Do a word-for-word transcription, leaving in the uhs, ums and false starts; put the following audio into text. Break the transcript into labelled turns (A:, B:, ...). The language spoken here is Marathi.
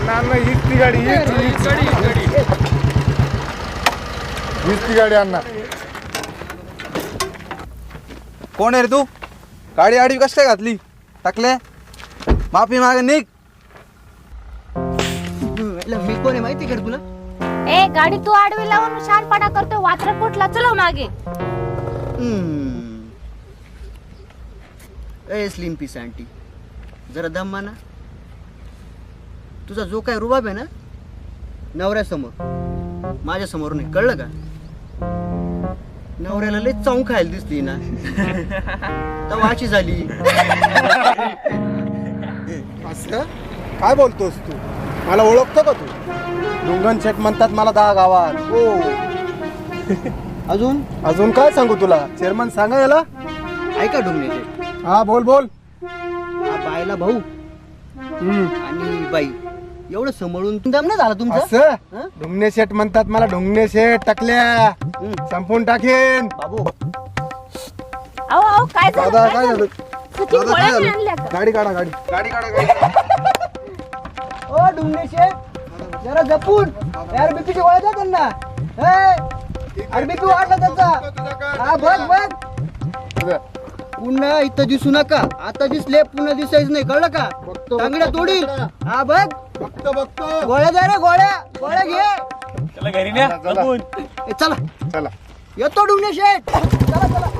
A: अण्णा अण्णा हीच ती गाडी हीच हीच गाडी हीच ती गाडी अण्णा.
B: कोण आहे रे तू? गाडी आडवी कशी काय घातली? टाकले माफी मागे निघ.
C: मी कोण आहे माहिती का तुला?
D: ए गाडी तू आडवी लावून शानपणा करतो. वात्र कुठला चलो मागे.
C: ए स्लिम पीस आंटी, जरा दम माना. तुझा जो काय रुबाब आहे ना नवऱ्यासमोर, माझ्या समोर नाही, कळलं का? नवऱ्याला लय चावून खायला दिसली ना तर वाची झाली.
A: असं काय बोलतोस तू? मला ओळखतो का तू? डुंगन शेट म्हणतात मला दहा गावात. हो.
C: अजून
A: अजून काय सांगू तुला? चेअरमन सांगा याला.
C: ऐका डुंगने,
A: हा बोल बोल.
C: हा बायला भाऊ
A: हम्म.
C: आणि बाई एवढं सांभाळून दम नाही झाला तुमचं?
A: असं ढुंगणे शेट म्हणतात मला. ढुंगणे शेट टाकल्या संपून टाकेन.
C: बाबू
D: अहो अहो काय झालं?
A: दादा काय झालं?
D: सचिन
A: दादा काय
D: गोळ्या
A: झालं?
D: आणल्या का?
A: गाडी काढा गाडी गाडी काढा गाडी.
C: ओ डुंगने शेठ जरा जपून यार, बीपीची गोळ्या द्या त्यांना. अरे बीपी वाढला त्याचा. हा बघ बघ, पुन्हा इथं दिसू नका. आता दिसले पुन्हा दिसायचं नाही, कळलं का? तांगड्या तोडी. हा बघ
A: बघतो बघतो.
C: गोळ्या द्या रे, गोळ्या गोळ्या घे.
B: चला घरी न्या.
C: ए, चला
A: चला
C: येतो डुंगने शेठ. चला चला.